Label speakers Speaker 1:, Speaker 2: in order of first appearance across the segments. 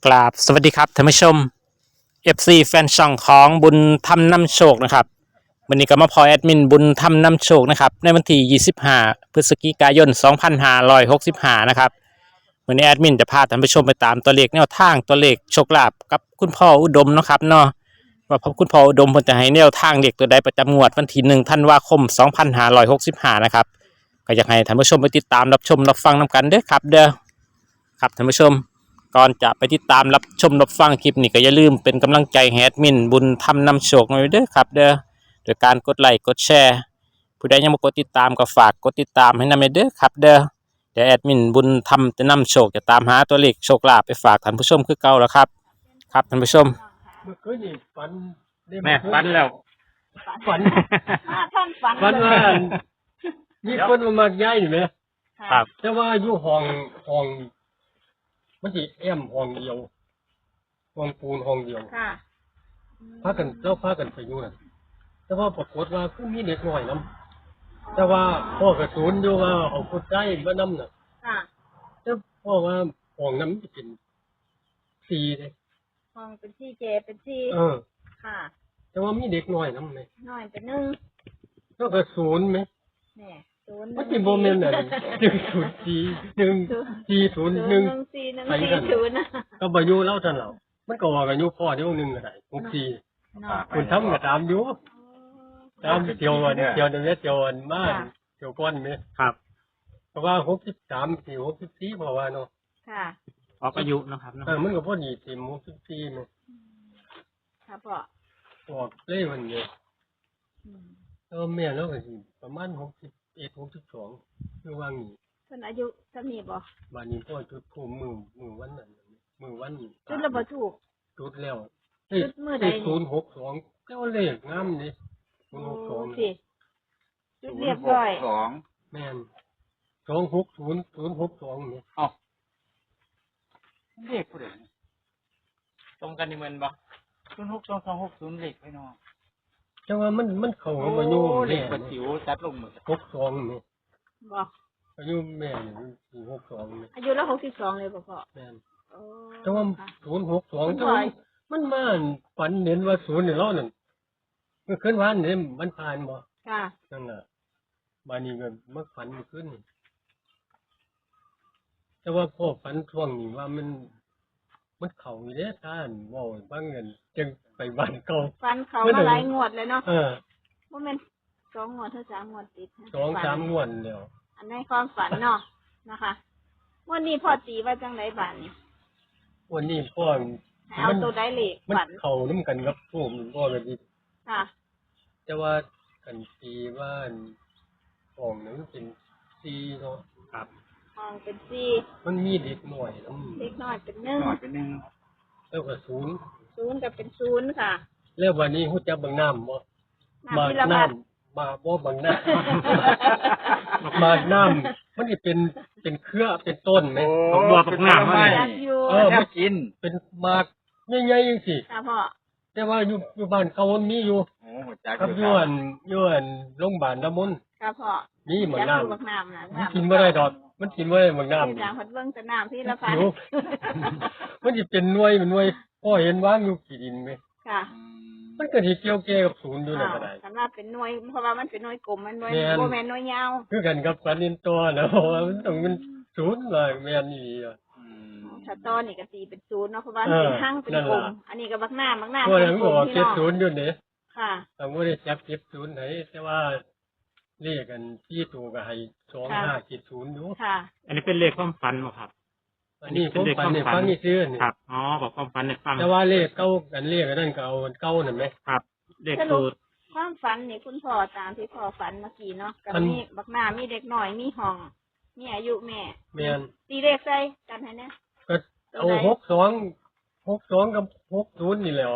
Speaker 1: กราบสวัสดีครับท่านผู้ชม FC แฟนช่องของบุญธรรมนำโชคนะครับวันนี้ก็มาพอแอดมินบุญธรรมนำโชคนะครับในวันที่25พฤศจิกายน2565นะครับวันนี้แอดมินจะพาท่านผู้ชมไปตามตัวเลขแนวทางตัวเลขโชคลาภกับคุณพ่ออุดมนะครับเนาะว่าคุณพ่ออุดมเพิ่นจะให้แนวทางเลขตัวใดประจำงวดวันที่1ธันวาคม2565นะครับก็อยากให้ท่านผู้ชมไปติดตามรับชมรับฟังนำกันเด้อครับเด้อครับท่านผู้ชม ก่อนจะไปติดตามรับชมรับฟังคลิปนี้ก็อย่าลืมเป็นกำลังใจให้แอดมินบุญธรรมนำโชคหน่อยเด้อครับเด้อโดยการกดไลค์กดแชร์ผู้ใดยังไม่กดติดตามก็ฝากกดติดตามให้นำเด้อครับเด้อเดี๋ยวแอดมินบุญธรรมจะนำโชคจะตามหาตัวเลขโชคลาภไปฝากท่านผู้ชมคือเก่าแล้วครับครับท่านผู้ชม
Speaker 2: เมื่อคืนนี่ฝันได้
Speaker 1: แม่ฝันแล้ว
Speaker 2: ฝัน
Speaker 3: ท่านฝัน
Speaker 2: ฝันว่ามีคนมาย้ายอยู่ไหม
Speaker 1: ครับ
Speaker 2: แต่ว่าอยู่ห้องมันสิแอมห้องเดียวห้องปูนห้องเดียว
Speaker 3: ค่ะ
Speaker 2: พากันไปอยู่น่ะแต่ว่าปรากฏว่าคือมีเด็กน้อยนํแต่ว่าพ่อกระสุนอยู่ว่าเอาคนใจมานํน่ะ
Speaker 3: ค่ะ
Speaker 2: แต่พ่อว่าห้องนั้นมันเป็น4เด้
Speaker 3: ห้องเป็นที่เจเป็นที่ค่ะ
Speaker 2: แต่ว่ามีเด็กน้อยนํแม่
Speaker 3: น้อยเป็นหนึ่ง
Speaker 2: แล้วกระสุนแม่
Speaker 3: แม่ศูนย์
Speaker 2: มันสิบ่แม่นน่ะ104 140 1ไปกันก็บ่อยู่แล้วซั่นแล้วมันก็ว่ากันอยู่พ่อเดี๋ยวนึงก็ได้64คุณทำก็ตามอยู่ตามเที่ยวอันเที่ยวนึงเที่ยวอันมาเที่ยวก่อนแม่
Speaker 1: ครับ
Speaker 2: เพราะว่า63สิ64เพราะว่าเนาะ
Speaker 3: ค่ะ
Speaker 1: ออกอายุนะครับ
Speaker 2: มันก็พอดีสิ64แม่
Speaker 3: ครับพ่อ
Speaker 2: ออกเลยมันเนี่ยแม่แล้วก็สิประมาณ61 62คือว่างี้
Speaker 3: เพิ่นอายุเท่านี้บ่
Speaker 2: บัดนี้พ่อจุดภูมิมือวันนั้นมือวัน
Speaker 3: จุดแล้วบ่ถูก
Speaker 2: จุดแล้ว
Speaker 3: จุดมื้อใด
Speaker 2: 062แต่ว่าเลขงามนี่062
Speaker 3: สิจุดเรียบร้อย
Speaker 2: แม่น260062นี่
Speaker 1: อ้าวเลขผู้ใดตรงกันนี่เหมือนบ่
Speaker 4: 062260เลขไปเนาะ
Speaker 2: แต่ว่ามันเข้ามาอยู่
Speaker 1: เลขประจิ๋วจัดลงมือ
Speaker 2: 62นี่
Speaker 3: บ่
Speaker 2: อายุแม่นี่62นี่
Speaker 3: อายุแล้ว62เลยบ่พ่อ
Speaker 2: แม่นแต่ว่า062แต่ว่ามันมาฝันเห็นว่า0นี่เรานั่นเมื่อคืนวานนี่มันผ่านบ่
Speaker 3: ค่ะ
Speaker 2: นั่นน่ะบัดนี้ก็มาฝันเมื่อคืนนี่แต่ว่าพ่อฝันช่วงนี้ว่ามันเข้าอยู่เด้ท่านเว้าบางเงินจึงไปบ้านเก่า
Speaker 3: ฝันเขามาหลายงวดเลยเนาะบ่แม่น2งวดเท่า3งวดติด
Speaker 2: 2-3งวดแล้ว
Speaker 3: อันในความฝันเนาะนะคะวันนี้พ่อตีว่าจังไดบัดนี้
Speaker 2: วันนี้พ่อ
Speaker 3: เอาตัวใดเลข
Speaker 2: ฝันเข้านำกันกับผมพ่อก็สิ
Speaker 3: ค่ะ
Speaker 2: แต่ว่ากันตีว่าห้องนึงเป็น4เนาะ
Speaker 1: ครับ
Speaker 3: ห้องเป็น4
Speaker 2: มันมีเด็กน้อย
Speaker 3: เด็กน้อยเป็น1
Speaker 2: แล้วก็
Speaker 3: 0ก็เป็น0ค่ะ
Speaker 2: แล้ววันนี้ฮู้จักบางน้ำบ่มาน้ำมาบ่บางน้ำมาน้ำมันสิเป็นเครือเป็นต้นแม่
Speaker 1: ของบัวปักน้ำมา
Speaker 2: มันกินเป็นหมากใหญ่ๆจังซี่
Speaker 3: ค่ะพ่อ
Speaker 2: แต่ว่าอยู่บ้านเขามันมีอยู่ครับอยู่อันโรงพยาบาลน้ำมนต์
Speaker 3: ครับพ่อ
Speaker 2: นี่เหมือนน้ำ
Speaker 3: มัน
Speaker 2: กินบ่ได้ดอกมันกินบ่ได้เหมือนน้ำ
Speaker 3: นี่พัดเบิ่งแต่น้ำที่ละพัน
Speaker 2: มันสิเป็นหน่วยพ่อเห็นวางอยู่ขี้ดินมั้ย
Speaker 3: ค่ะ
Speaker 2: มันก็สิเกี่ยวแก่กับศูนย์อยู่นั่นก็ได้
Speaker 3: สำหรับเป็นหน่วยเพราะว่ามันเป็นหน่วยกลมมันหน่วยบ่แม่นหน่วยยาว
Speaker 2: คือกันกับสันนินตัวนะมันต้องเป็นศูนย์ว่าแม่นอี
Speaker 3: ถ้าตอนนี่ก็ตีเป็น0เนาะเพราะว่าเป็นหั่งเป็นกลมอันนี้ก็บักน้ำ
Speaker 2: พวกนั้นก็บอก70อยู่นี่
Speaker 3: ค่ะ
Speaker 2: แต่บ่ได้จับ70ไหนแต่ว่าเลขกัน4ตัวก็ให้2570อยู่
Speaker 3: ค่ะ
Speaker 1: อันนี้เป็นเลขความฝันบ่ครับ
Speaker 2: อันนี้ผมฝันให้ฟังนี่ซื่อนี่
Speaker 1: ครับอ๋อบอกความฝันให้ฟัง
Speaker 2: แต่ว่าเลขเก่ากันเลขอันนั้นก็เอาเก่านั่นแหม
Speaker 1: ครับเลขสูตร
Speaker 3: ความฝันนี่คุณพ่อตามที่พ่อฝันเมื่อกี้เนาะก็มีบักน้ำมีเด็กน้อยมีห้องมีอายุแม่ตีเลขใส่กันให้แน่
Speaker 2: ก็เอา62กับ60นี่แหละ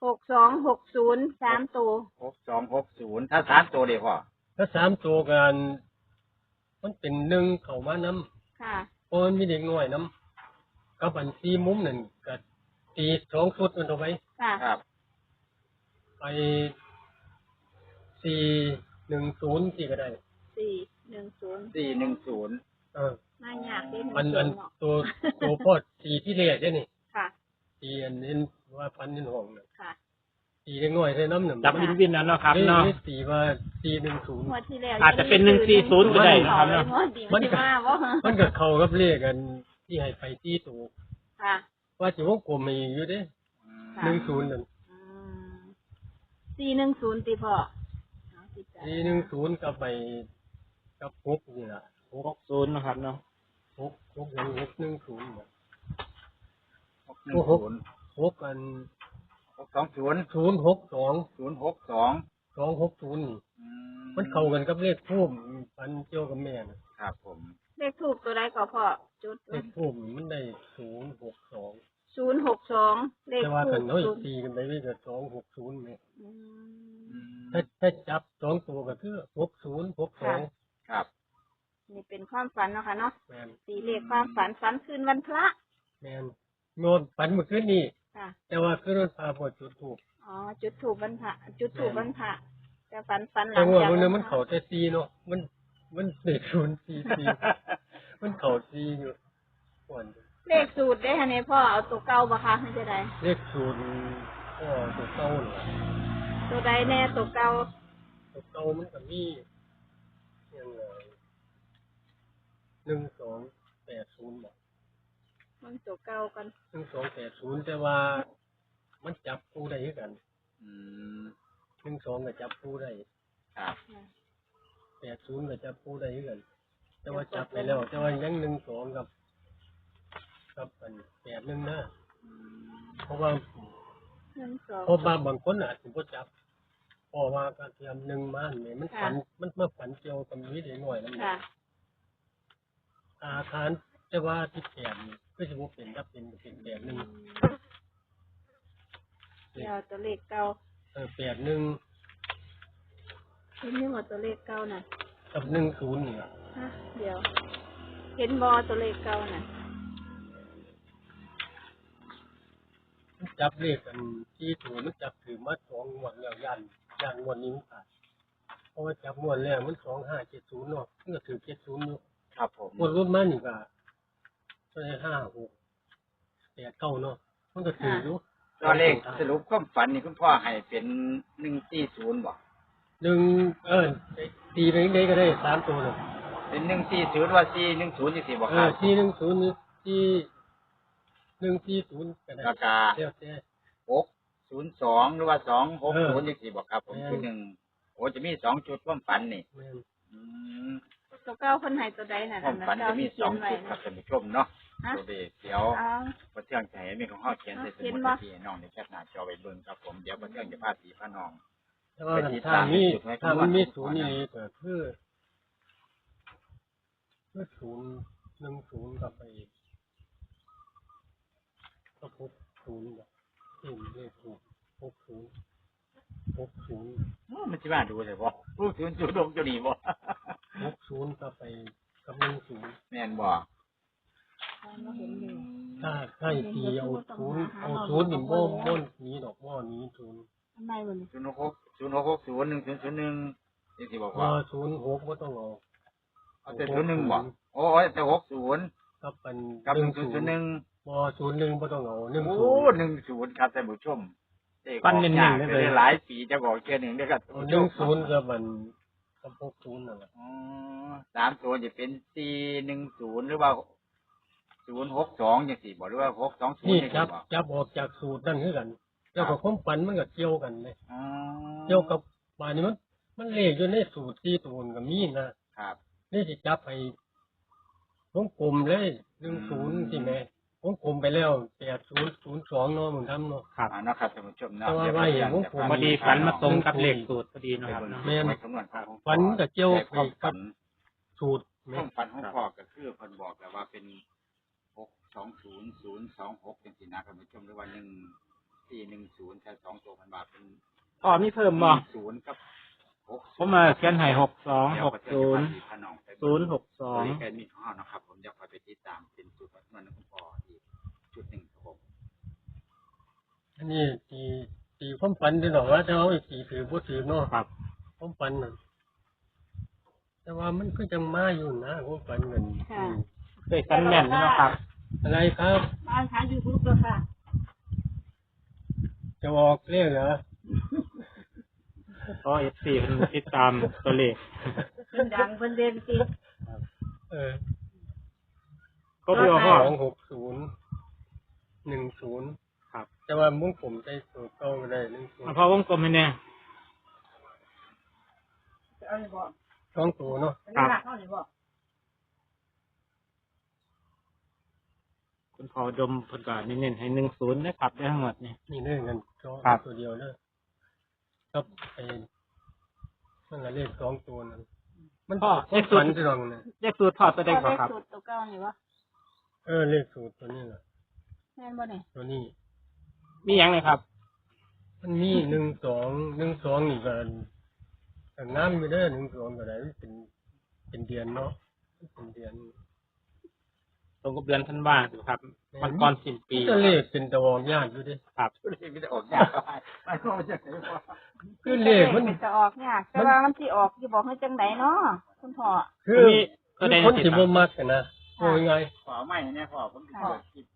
Speaker 3: 6260 3ตัว
Speaker 4: 6260ถ้า3ตัวเด้พ่อ
Speaker 2: ถ้า3ตัวกันมันเป็น1เข้ามานำ
Speaker 3: ค่ะ
Speaker 2: เพราะมันมีเด็กน้อยนำกับอัน4มุมนั่นก็ตี2ชุดมันเอาไว้
Speaker 3: ครับ
Speaker 2: ไป410ที่ก็ได้
Speaker 3: 410มายากเด้
Speaker 2: มันตัวพ่อ4ที่แรกเด้นี่
Speaker 3: ค่ะ
Speaker 2: น้อยใส่น้ำหนึ่ง
Speaker 1: จับวินวินแล้วเนาะครับเนาะ
Speaker 2: นี่ตีว่า410
Speaker 3: งวดที่แล้ว
Speaker 1: อาจจะเป็น140ก็ได้นะครับเนาะ
Speaker 3: มันก็ว่าบ่
Speaker 2: มันก็เข้ากับเลขกันที่ให้ไปที่ตัว
Speaker 3: ค่ะ
Speaker 2: ว่าสิวงกลมมีอยู่เด้
Speaker 3: ค่ะ
Speaker 2: 10นั่น
Speaker 3: 410ติพ่อเอาสิจ้ะ
Speaker 2: 410กับไปกับ6นี่ล่ะ
Speaker 1: 60นะครับเนาะ
Speaker 2: 610น่ะ
Speaker 4: 610
Speaker 2: 6กัน
Speaker 4: 620
Speaker 2: 062
Speaker 4: 062
Speaker 2: 260นี่มันเข้ากันกับเลขทูบอันเกี่ยวกับแม่น่ะ
Speaker 4: ครับผม
Speaker 3: เลขถูกตัวใดก็พ่อจุด
Speaker 2: เลขทูบมันได้062
Speaker 3: 062เลข
Speaker 2: แต่ว่า
Speaker 3: ถู
Speaker 2: กัน
Speaker 3: ก
Speaker 2: เนาะตีกันไปก็260แม่
Speaker 3: อืม
Speaker 2: ถ้าจับ2ตัวก็คือ6062
Speaker 4: ครับ
Speaker 3: นี่เป็นความฝันเนาะค่ะเนาะ
Speaker 2: แม่น
Speaker 3: ตีเลขความฝันฝันคืนวันพระ
Speaker 2: แม่นโน่นฝันเมื่อคืนนี้
Speaker 3: ค่ะ
Speaker 2: แต่ว่าคืนวันพาบ่จุดทูบ
Speaker 3: อ๋อจุดถูกวันพระจุดถูกวันพระแต่ฝันหลั
Speaker 2: แต่
Speaker 3: ง
Speaker 2: ว่า
Speaker 3: จาก
Speaker 2: มันเข้าแต่4เนาะมันเลข044มันเข้า4อยู่ก่อน
Speaker 3: เลขสูตรได้ฮะเนี่ยพ่อเอาตัวเก่าบ่คะไม่ใช่ใด
Speaker 2: เลข0ก็ตัวเก่านั่นล่ะ
Speaker 3: ตัวใดแน่ตัวเก่า
Speaker 2: ตัวเก่ามันก็มีอย่าง1280บ่
Speaker 3: มันตัวเก่ากัน
Speaker 2: 1280แต่ว่ามันจับคู่ได้คือกัน
Speaker 4: อืม
Speaker 2: 12ก็จับคู่ได้
Speaker 4: ครับ
Speaker 2: 80ก็จับคู่ได้คือกัน แต่ว่าจับไปแล้วแต่ว่ายัง12กับอัน81นะเพราะว่า
Speaker 3: 12
Speaker 2: เพราะว่าบางคนอาจสิบ่จับเพราะว่าการเตรียม1มาเนี่ยมันฝันมันมาฝันเกี่ยวกับนี้ได้หน่อยนำ
Speaker 3: ค่ะ
Speaker 2: อาคารแต่ว่าที่8นี่ก็สิบ่เป็นถ้าเป็น81
Speaker 3: เดี๋ยวตัวเลขเก่า
Speaker 2: 81
Speaker 3: เห็นนี่หมดตัวเลขเก่าน่ะ
Speaker 2: กับ10นี่ล่ะ
Speaker 3: ฮะเดี๋ยว เห็นบอตัวเลขเก่าน่ะ
Speaker 2: มันจับเลขกันที่ถูกมันจับถือมา2งวดแล้วยันงวดนี้มันขาดเพราะว่าจับงวดแรกมัน2570เนาะมันก็ถือ70อยู่
Speaker 4: ครับผม
Speaker 2: งวดรุ่นมานี่ก็ได้56 89เนาะมันก็ถืออยู่
Speaker 4: ตัวเลขสรุปความฝันนี่คุณพ่อให้เป็น140บ่
Speaker 2: ตีไปได้ก็ได้3ตัวเลย
Speaker 4: เป็น140ว่า410จังซี่บ่ครับ
Speaker 2: 410นี่140ก็ได้
Speaker 4: แล้วก็
Speaker 2: แล้วแต่
Speaker 4: 602หรือว่า260จังซี่บ่ครับผม
Speaker 2: แม่น
Speaker 4: คือ1โอ้จะมี2จุดความฝันนี่
Speaker 2: แม่น
Speaker 4: อืม
Speaker 3: ตัวเก่าคนให้ตัวใดน่ะ
Speaker 4: ความฝัน
Speaker 3: เก่า
Speaker 4: จะมี
Speaker 3: ที่เขียน
Speaker 4: 2
Speaker 3: ไว้
Speaker 4: จุดครั
Speaker 3: น่ะ
Speaker 4: บท่านผู้ชมเนาะ
Speaker 3: ฮะ
Speaker 4: ตัวเลขเดี๋ยว
Speaker 3: เอา
Speaker 4: บ่เที่ยงจะให้มีของเฮาเขียนใส่ส
Speaker 3: เขียน
Speaker 4: มุด
Speaker 3: บ่
Speaker 4: ที่น้องในแคปหน้าจอไว้เบิ่งครับผมเดี๋ยวบ่เที่ยงจะพาสีพาน้อง
Speaker 2: แต่ว่าถ้ามันมีศูนย์นี่ก็คือ010กับไปก็60แบบเลขถูก60
Speaker 4: มันสิมาดูเลยบ่รู้ถึงจุดลงจุดนี้บ่
Speaker 2: 60กับไปกับ10
Speaker 4: แม่นบ่
Speaker 3: เราเห็นอยู่
Speaker 2: ถ้าตีเอาศูนย์นี่บ่นี้ดอกบ่นี้ศูนย์
Speaker 3: ทำไมวะนี่
Speaker 4: 0660 1001จังซี่บอก
Speaker 2: บ่
Speaker 4: ว่า
Speaker 2: 06บ่ต้องเอา
Speaker 4: เอาแต่01บ่โอ้ยแต่60
Speaker 2: กับเป็น
Speaker 4: กับ
Speaker 2: 10บ่01บ่ต้องเอา
Speaker 4: โอ้
Speaker 2: 10
Speaker 4: 10ครับท่านผู้ชม
Speaker 1: ปั้นเน้นๆเลย
Speaker 4: หลายปีจะบอกแค่1เด้อครับ
Speaker 2: 10กับมันกับ60นั่นแหละ
Speaker 4: อ๋อ3ตัวจะเป็น410หรือว่า062จังซี่บ่หรือว่า620
Speaker 2: นี่
Speaker 4: จัง
Speaker 2: จั
Speaker 4: ซี่
Speaker 2: บ
Speaker 4: บ่
Speaker 2: ออกจากสูตรนั่นคือกัน แล้วก็ความฝันมันก็เกี่ยวกันเลย
Speaker 4: อ๋อ
Speaker 2: เกี่ยวกับบาดนี้มันเลขอยู่ในสูตร4ตัวก็มีนะครับ นี่สิจับให้วงกลมเลย10สิแม่วงกลมไปแล้ว8002เนาะมึงทำเนาะ
Speaker 1: ครับ
Speaker 4: เนาะครับท่านผู้ชมเนาะ
Speaker 2: แต่ว่าไว้อย่างของผม
Speaker 1: พอดีฝันมาตรงกับเลขสูตรพอดีเนาะครับเนาะ
Speaker 2: แม่น
Speaker 4: ไว้คำนวณของ
Speaker 2: ฝันก็เกี่ยว
Speaker 4: แต่ความ
Speaker 2: กั
Speaker 4: ฝั
Speaker 2: บ
Speaker 4: น
Speaker 2: สูตร
Speaker 4: ค
Speaker 2: แม่
Speaker 4: วามฝันของพ่อก็คือเพิ่นบอกแต่ว่าเป็น620026จังซี่นะท่านผู้ชมหรือว่า1410แค่2ตัวมันว่าเป็น
Speaker 1: อ๋อมีเพิ่มบ่
Speaker 4: 0กับ60
Speaker 1: ผมมาเขียนให้6260
Speaker 4: ตัวนี้แค่มีข้อนะครับผมจะคอยไปติดตามเป็นสูตรคำนวณของพ่ออีกจุดหนึ่งครับผม
Speaker 2: อันนี้ตีความฝันดีหรอกว่าถ้าเอาอีกตีถือบ่ถือเนาะ
Speaker 1: ครับ
Speaker 2: ความฝันน่ะแต่ว่ามันก็จังมาอยู่นะความฝันเงิน
Speaker 3: ค่ะ
Speaker 1: เคยฝันแม่นเนาะครับ
Speaker 2: อะไรครับ
Speaker 3: บ้านขายยูทูบเลยค่ะ
Speaker 2: จะออกเรียกเหรอ
Speaker 1: ก็เอฟซีเพิ่นติดตามตัวเลข
Speaker 3: เพิ่นดังเพิ่นเด่นสิ
Speaker 1: ก็เพื่อพ่อ
Speaker 2: 26010ครับแต่ว่ามุ้งผมได้สูตรเก่าก็ได้10
Speaker 1: พอวงกลมให้แน่
Speaker 3: เอาเลยบ่
Speaker 2: 2ตัวเนาะ
Speaker 3: ครับเอาเลยบ่
Speaker 1: คุณพ่อดมเพิ่นก็เน้นๆให้10นะครับได้ทั้งหมดนี่
Speaker 2: นี่เรื่องกัน
Speaker 1: ครับ
Speaker 2: ตัวเดียวเด้อครับไอ้มันละเลข2ตัวนั่นมันเลขฝันสิลองนะ
Speaker 1: เลขสูตรพ่อตัวใดบ่ครับ
Speaker 3: สูตรตัวเก่านี่บ่
Speaker 2: เลขสูตรตัวนี้แหละ
Speaker 3: แม่นบ่นี่
Speaker 2: ตัวนี้
Speaker 1: มีหยังเลยครับ
Speaker 2: มันมี12นี่ก็น้ำอยู่เด้อ12ก็ได้เป็นเดือนเนาะเป็นเดือน
Speaker 1: ตรงกับเดือนธันวาคมครับวันก่อนสิ้นปี
Speaker 2: จะเลขเป็นตะวองยากอยู่เด้
Speaker 1: ครับ
Speaker 4: เลขไม่ได้ออกยากไปพ่อจะไหนพ่อ
Speaker 2: คือเลขมัน
Speaker 3: จะออกยากแต่ว่ามันสิออกสิบอกให้จังไดเนาะคุณพ่อ
Speaker 2: คือคนที่บ่มักกันนะโอ้ยไง
Speaker 4: ขอไม่เนี่ยพ่อผมเปิดคลิป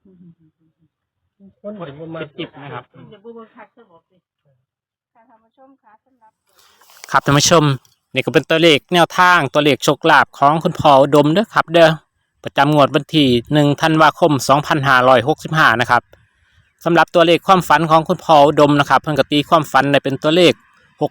Speaker 2: คนที่บ่มัก
Speaker 1: จิบนะครับ
Speaker 3: เดี๋ยวบ่เบิ่งคักซะบอกสิค่ะท่านผู้ชมค่ะสำหรับ
Speaker 1: ครับท่านผู้ชมนี่ก็เป็นตัวเลขแนวทางตัวเลขโชคลาภของคุณพ่ออุดมเด้อครับ เด้อประจำงวดวันที่1ธันวาคม2565นะครับสำหรับตัวเลขความฝันของคุณพ่ออุดมนะครับเพิ่นก็ตีความฝันได้เป็นตัวเลข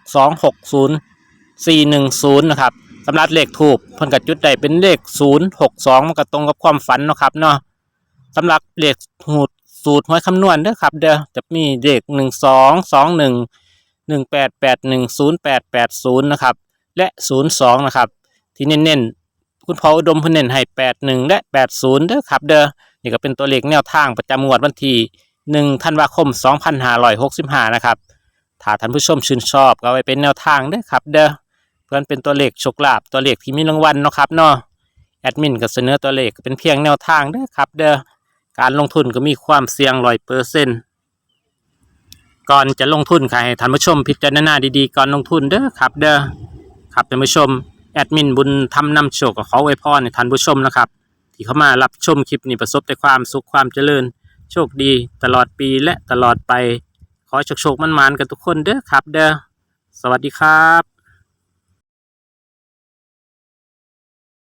Speaker 1: 6260410นะครับสำหรับเลขทูปเพิ่นก็จุดได้เป็นเลข062มันก็ตรงกับความฝันเนาะครับเนาะสำหรับเลขสูตรหวยคำนวณเด้อครับ เด้อจะมีเลข1221 18810880นะครับและ02นะครับที่เน้นๆคุณพ่ออุดมเพิ่นเน้นให้81และ80เด้อครับเด้อนี่ก็เป็นตัวเลขแนวทางประจำงวดวันที่1ธันวาคม2565นะครับถ้าท่านผู้ชมชื่นชอบก็เอาไว้เป็นแนวทางเด้อครับเด้อเพื่อนเป็นตัวเลขโชคลาภตัวเลขที่มีรางวัลเนาะครับเนาะแอดมินก็เสนอตัวเลขเป็นเพียงแนวทางเด้อครับเด้อการลงทุนก็มีความเสี่ยง100%ก่อนจะลงทุนค่ะให้ท่านผู้ชมพิจารณาดีๆก่อนลงทุนเด้อครับเด้อครับท่านผู้ชมแอดมินบุญทำนำโชคก็ขออวยพรให้ท่านผู้ชมนะครับที่เข้ามารับชมคลิปนี้ประสบแต่ความสุขความเจริญโชคดีตลอดปีและตลอดไปขอให้โชคๆมั่นๆกันทุกคนเด้อครับเด้อสวัสดีครับ